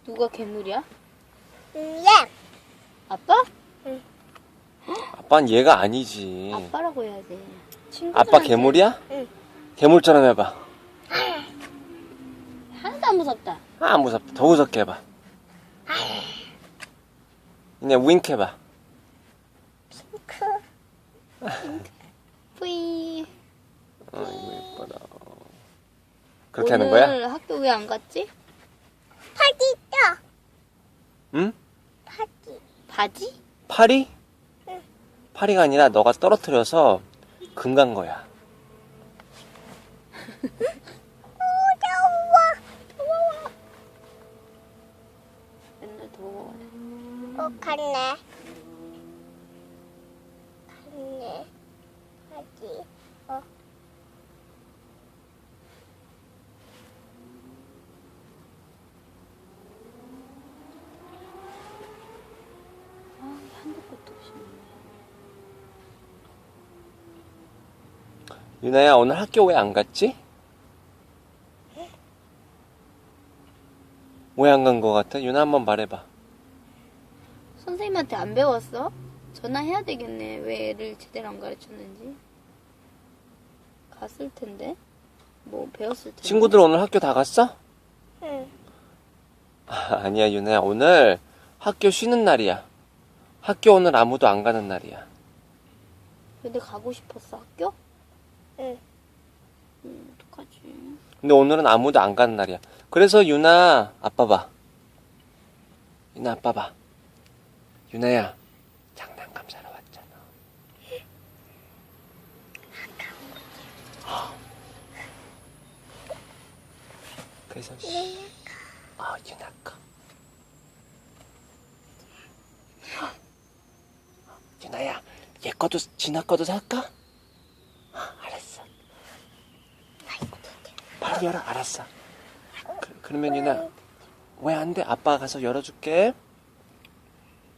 누가 괴물이야? 예. 아빠? 아빠는 얘가 아니지. 아빠라고 해야지. 아빠 괴물이야? 응. 괴물처럼 해봐. 하나도 안 무섭다. 아, 무섭다. 더 무섭게 해봐. 그냥 윙크 해봐. 뿌이. 아이고, 예뻐라. 그렇게 하는 거야? 오늘 학교 왜 안 갔지? 파지 있다. 응? 파지. 바지? 파리? 응. 파리가 아니라 너가 떨어뜨려서 금간 거야. 더워. 맨날 더워. 갔네. 갔네. 파지. 아, 한도 끝도 없이. 유나야, 오늘 학교 왜 안 갔지? 왜 안 간 거 같아? 유나 한번 말해봐. 선생님한테 안 배웠어? 전화해야 되겠네. 왜 애를 제대로 안 가르쳤는지. 갔을 텐데. 뭐 배웠을 텐데. 친구들 오늘 학교 다 갔어? 응. 아니야, 유나야. 오늘 학교 쉬는 날이야. 학교 오늘 아무도 안 가는 날이야. 근데 가고 싶었어 학교? 응. 어떡하지? 근데 오늘은 아무도 안 가는 날이야. 그래서 유나, 아빠 봐. 유나, 아빠 봐. 유나야, 장난감 사러 왔잖아. 그래서 유나 거. 유나야, 얘 거도 진아 거도 살까? 알았어. 빨리 열어. 알았어. 그러면 유나 왜 안 돼? 아빠가 가서 열어줄게.